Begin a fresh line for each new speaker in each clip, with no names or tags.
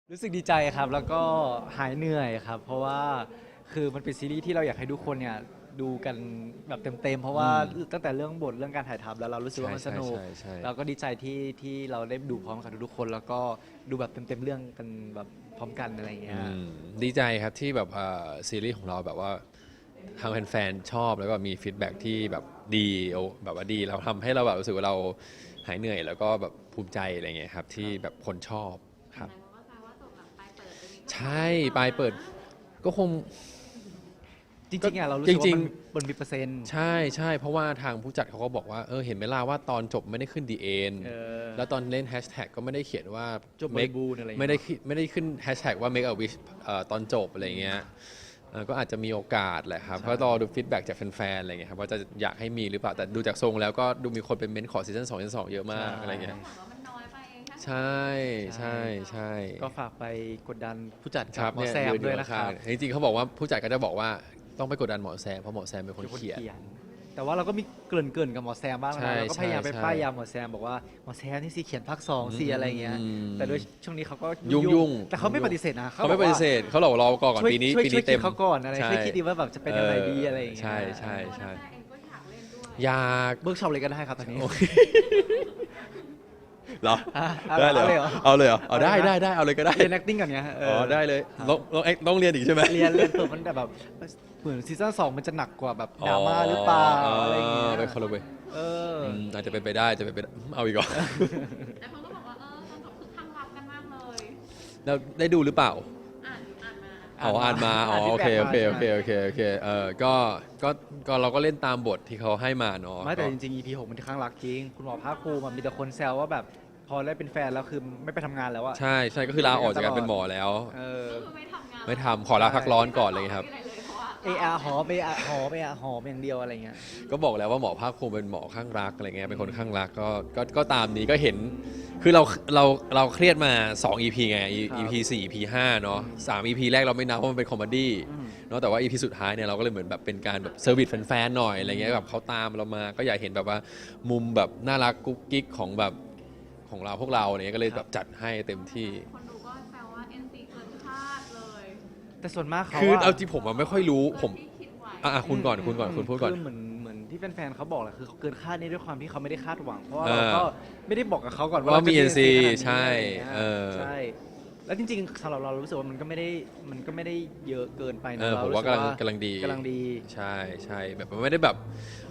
รู้สึกดีใจครับแล้วก็หายเหนื่อยครับเพราะว่าคือมันเป็นซีรีส์ที่เราอยากให้ทุกคนเนี่ยดูกันแบบเต็มๆเพราะว่าตั้งแต่เรื่องบทเรื่องการถ่ายทำแล้วเรารู้สึกว่ามันสนุกเราก็ดีใจที่เราได้ดูพร้อมกับทุกๆคนแล้วก็ดูแบบเต็มๆเรื่องกันแบบพร้อมกันอะไรอย่างเงี้ย
ดีใจครับที่แบบซีรีส์ของเราแบบว่าทางแฟนๆชอบแล้วก็มีฟีดแบ็กที่แบบดีแบบว่าดีเราทำให้เราแบบรู้สึกว่าเราหายเหนื่อยแล้วก็แบบภูมิใจอะไรเงี้ยครับที่แบบคนชอบครับใช่ปลายเปิดก็คง
จริงๆอ่ะเรารู้สึกว่ามันมีเปอร์เซ็นต์
ใช่ใช่เพราะว่าทางผู้จัดเขาก็บอกว่าเห็นไหมล่ะว่าตอนจบไม่ได้ขึ้นดีเอ็นแล้วตอนเล่นแฮชแท็กก็ไม่ได้เขียนว่า
จบบริบูรณ์อะไร
ไม่ได้ขึ้นแฮชแท็กว่า make a wish ตอนจบอะไรเงี้ยก็อาจจะมีโอกาสแหละครับก็รอดูฟีดแบ็กจากแฟนๆอะไรเงี้ยครับว่าจะอยากให้มีหรือเปล่าแต่ดูจากทรงแล้วก็ดูมีคนเป็นเม้นขอซีซั่น2ซีซั่น2เยอะมากอะไรเงี้ยใช่ใช่ใช่
ก็ฝากไปกดดันผู้จัด
ครั
กับบ หมอแซมด้วยนะครับ
จริงๆเขาบอกว่าผู้จัดก็จะบอกว่าต้องไปกดดันหมอแซมเพราะหมอแซมเป็นคนเขียน
แต่ว่าเราก็มีเกริ่นกับหมอแซมบ้างนะเราก็พยายามไปป้ายยาหมอแซมบอกว่าหมอแซมนี่สิเขียนภาค2สิอะไรเงี้ยแต่โดยช่วงนี้เขาก็
ยุ่ง
แต่เขาไม่ปฏิเสธนะ
เขาไม่ปฏิเสธเขาบอกรอก่อนปีนี้
เต็มเขาก่อนอะไรช่วยคิดดีว่าแบบจะเป็นอะไรดีอะไรอย่างเงี้ย
ใช่ใช่ใช่อยาก
เบิร์กช็อปเลยก็ได้ครับตอนนี้
เหรอได้เลยเอาเลยเหรอเอาได้เอาเลยก็ได้
เรียน acting กันเนี้ย
ได้เลยต้องเรียนอีกใช่ไหม
เรียนเปิดมันแบบเหมือนซีซั่น2มันจะหนักกว่าแบบดราม่าหรือเปล่าอะไรอย่างเงี้ย
ไปคนละเว้ยอาจจะเป็นไปได้เอาอีกเหรอ
แต่คนก็บอกว่าตอนจบคือข้างรักกันมากเลย
แล้วได้ดูหรือเปล่า
อ่านมา
โอเคก็เราก็เล่นตามบทที่เขาให้มาเนาะ
ไม่แต่จริงๆ EP 6มันข้างรักจริงคุณหมอภาคภูมิมีแต่คนแซวว่าแบบพอได้เป็นแฟนแล้วคือไม่ไปทำงานแล้วอะ
ใช่ก็คือลาออกจากการเป็นหมอแล้วไม่ทำขอลาพักร้อนก่อนเลยครับ
หอมอย่างเดียวอะไรเงี้ย
ก็บอกแล้วว่าหมอภาคภูมิเป็นหมอข้างรักอะไรเงี้ยเป็นคนข้างรักก็ตามนี้ก็เห็นคือเราเครียดมา2 EP ไง EP 4 EP 5เนาะ3 EP แรกเราไม่นับเพราะมันเป็นคอมเมดี้เนาะแต่ว่า EP สุดท้ายเนี่ยเราก็เลยเหมือนแบบเป็นการแบบเซอร์วิสแฟนๆหน่อยอะไรเงี้ยแบบเขาตามเรามาก็อยากเห็นแบบว่ามุมแบบน่ารักกุ๊กกิ๊กของแบบของเราพวกเราเนี่ยก็เลยแบบจัดให้เต็มที่
คนดูก็แซวว่า NC เกินคาดเลย
แต่ส่วนมากเขา
คือเอาจริงผมไม่ค่อยรู้ผมคุณก่อนคุณพูดก่อน
คือเหมือนที่แฟนๆเขาบอกแหละคือเขาเกินคาดนี่ด้วยความที่เขาไม่ได้คาดหวังเพราะว่าเราก็ไม่ได้บอกกับเขาก่อนว่า
มี NC ใช่
แล้วจริงๆสำหรับเรารู้สึกว่ามันก็ไม่ได้เยอะเกินไปนะ
ผมว่ากำลังดีใช่แบบมันไม่ได้แบบ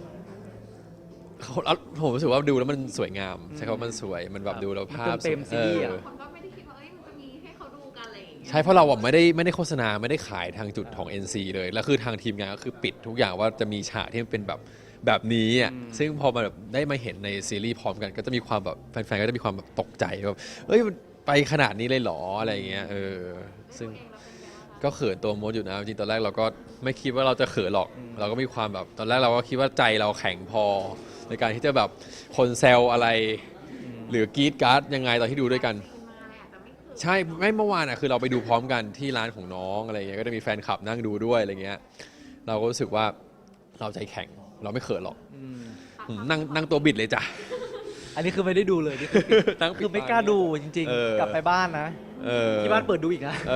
ผมรู้สึกว่าดูแล้วมันสวยงามใช่ครับมันสวยมันแบบดูแล้วภาพ
เต็มซีรีส์
คนก็ไม่ได้คิดว่ามันจะมีให้เขาดูกันอะไรอย่างเงี้ย
ใช่เพราะเราไม่ได้โฆษณาไม่ได้ขายทางจุดของ NC เลยแล้วคือทางทีมงานก็คือปิดทุกอย่างว่าจะมีฉากที่มันเป็นแบบนี้อ่ะซึ่งพอมาแบบได้มาเห็นในซีรีส์พร้อมกันก็จะมีความแบบแฟนๆก็จะมีความแบบตกใจแบบมันไปขนาดนี้เลยเหรออะไรเงี้ยซึ่งก็เขินตัวมดอยู่นะจริงตอนแรกเราก็ไม่คิดว่าเราจะเขินหรอกเราก็มีความแบบตอนแรกเราก็คิดว่าใจเราแข็งพอในการที่จะแบบคนแซวอะไรหรือกรี๊ดการ์ดยังไงตอนที่ดูด้วยกันใช่ไม่เมื่อวานอ่ะคือเราไปดูพร้อมกันที่ร้านของน้องอะไรเงี้ยก็จะมีแฟนคลับนั่งดูด้วยอะไรเงี้ยเราก็รู้สึกว่าเราใจแข็งเราไม่เขินหรอกนั่งตัวบิดเลยจ้ะ
อันนี้คือไม่ได้ดูเลยนี่คือไม่กล้าดูจริงๆกลับไปบ้านนะที่บ้านเปิดดูอีกนะ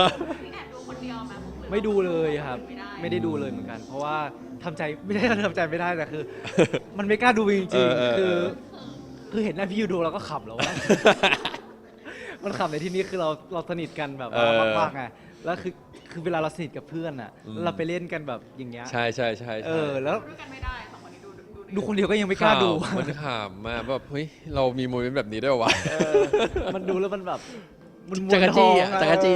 ไม่ดูเลยครับไม่ได้ดูเลยเหมือนกันเพราะว่าทำใจไม่ได้แต่คือ มันไม่กล้าดูจริงๆคือเห็นหน้าพี่ยูดูเราก็ขำแล้วว่ามันขำในที่นี้คือเราสนิทกันแบบมากๆไงแล้วคือเวลาเราสนิทกับเพื่อนอ่ะเราไปเล่นกันแบบอย่างเงี้ย
ใช่
แล้ว
ดูกันไม่ได้สองคนนี้
ดูคนเดียวก็ยังไม่กล้าดู
มันขำมากแบบเฮ้ยเรามีโมเมนต์แบบนี้ด้วยวะ
มันดูแล้วมันแบบ
จักรจี้จักรจี้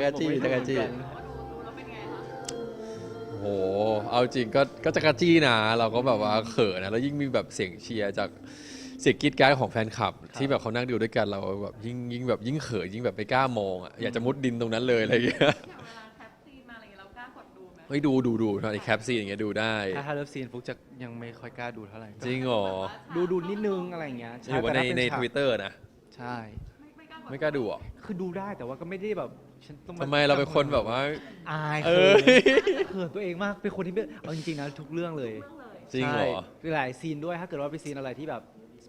โหเอาจริงก็จักรจี้นะเราก็แบบว่าเขินนะแล้วยิ่งมีแบบเสียงเชียร์จากเสียงกรี๊ดกราดของแฟนคลับที่แบบเขานั่งดูด้วยกันเราแบบยิ่งแบบยิ่งเขินยิ่งแบบไม่กล้ามองอ่ะอยากจะมุดดินตรงนั้นเลยอะไรอย่างเงี้ยเฮ้ยดูในแคปซีนอย่างเงี้ยดูได้
ถ้าเลิฟซีนฟุกจะยังไม่ค่อยกล้าดูเท่าไหร่
จริงเหรอ
ดูนิดนึงอะไรอย่างเงี้ย
หรือว่าใน Twitter นะ
ใช่
ไม่กล้าดูอ่ะ
คือดูได้แต่ว่าก็ไม่ได้แบบ
ทำไมเราเป็นคนแบบว่า
อายเขินตัวเองมากเป็นคนที่เอาจริงๆนะทุกเรื่องเลย
จริงเหรอ
หลายซีนด้วยถ้าเกิดว่าเป็นซีนอะไรที่แบบ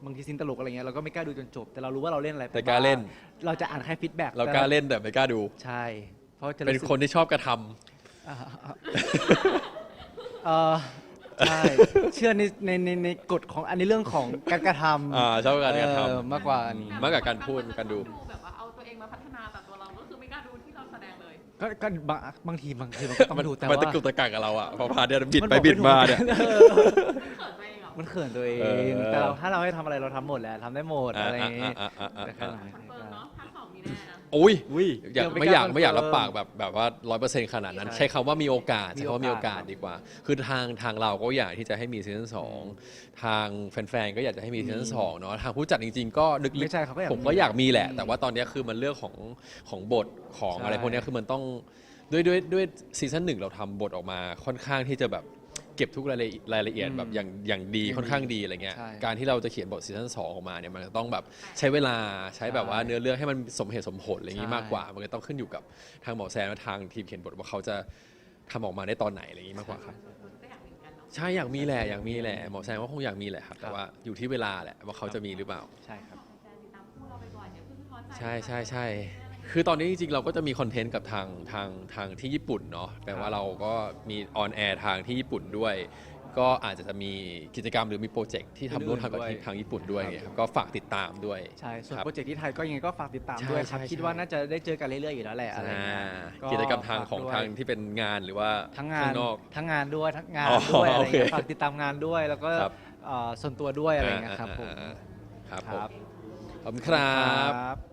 บางทีซีนตลกอะไรเงี้ยเราก็ไม่กล้าดูจนจบ แต่เรารู้ว่าเราเล่นอะไร
แต่กล้าเล่น
เราจะอ่านแค่ฟีดแบ็ก
เรากล้าเล่นแต่ไม่กล้าดู
ใช่เพราะจะ
เป็นคนที่ชอบกระทำ
อ่าเออใช่เชื่อในกฎของอันนี้เรื่องของการกระทำ
ชอบการกระทำ
มากกว่าอันนี้
มากกว่าการพูดการดู
แบบว่าเอาตัวเองมาพัฒนาแต่ตัวเราก็คือไม่กล้าดูที่เราแสดงเลย
ก็บางทีมันก็ต้องดูแต่
มัน
ว่า
ตะกุกตะกักกับเราอ่ะพอพาเนี่ยบิดไปบิดมาเนี่ย
เขินตัวเองเหรอ
มันเขินตัวเอง
เออ
แต่ถ้าเราให้ทำอะไรเราทำหมดแหละทำได้หมดอะไรอย่างงี้ แต่แค่ไหน
คอนเฟิร์มเนาะภาค 2มีแน่นะ
อุ้ย
อุ้ย
ไม่อยากรับปากแบบว่า100%ขนาดนั้น
ใช่
ใช้คำว่ามีโอกาส
มี
ใช้คำว่ามีโอ
โอก
า
า
ส
ส
ดีกว่า คือทางเราก็อยากที่จะให้มีซีซั่น2ทางแฟนๆก็อยากจะให้มีซีซั่น2เนาะทางผู้จัดจริงๆก็ลึก
ไม่ใช่เขาก็อยาก
ผมก็อยากมีแหละ
อืม
แต่ว่าตอนนี้คือมันเรื่องของบทของ
ใช่
อะไรพวกนี้คือมันต้องด้วยซีซั่น1เราทำบทออกมาค่อนข้างที่จะแบบเก็บทุกรายละเอียดแบบอย่างดีค่อนข้างดีอะไรเงี้ย
ใช่
การที่เราจะเขียนบทซีซั่น2ออกมาเนี่ยมันจะต้องแบบใช้เวลาใช้แบบว่าเนื้อเรื่องให้มันสมเหตุสมผลอะไรอย่างงี้
ใช่
มากกว่ามันก็ต้องขึ้นอยู่กับทางหมอแซนและทางทีมเขียนบทว่าเขาจะทำออกมาได้ตอนไหนอะไรอย่างงี้มากกว่าครับ
ก็อยากมีเหมือนกันเนาะ
ใช่อยากมีแหละหมอแซนก็คงอยากมีแหละครับแต่ว่าอยู่ที่เวลาแหละว่าเขาจะมีหรือเปล่า
ใช่ครับ
แฟนๆติดตามคู่เราไปก่อนอย่าเพิ่งท้อใจ
ใช่ คือตอนนี้จริงๆ เราก็จะมีคอนเทนต์กับทางที่ญี่ปุ่นเนาะแปลว่าเราก็มีออนแอร์ทางที่ญี่ปุ่นด้วย ก็อาจจะมีกิจกรรมหรือมีโปรเจกต์ที่ทำร่วมทางกับ
ด้วย
ทางญี่ปุ่นด้วยครับก็ฝากติดตามด้วย
ใช่ ส่วน
ครับ
โปรเจกต์ที่ไทยก็ยังไงก็ฝากติดตาม
ใช่
ด้วยครับ
ใช่
คิดว่าน่าจะได้เจอกันเรื่อยๆอยู่แล้วแหละอะไรเงี้ย
กิจกรรมทาง
ฝ
ของ
ด้วย
ทางที่เป็นงานหรือว่า
ทั้งงาน
ข้างนอก
ทั้งงานด้วยทั้งงาน
อ๋อ
ด้วยอะไร
โอเค
เงี้ยฝากติดตามงานด้วยแล้วก็
ครับ
ส่วนตัวด้วยอะไรเงี้ยครับผม
ครับ
ค
ผม
รับ
ขอบคุณครับ
ครับ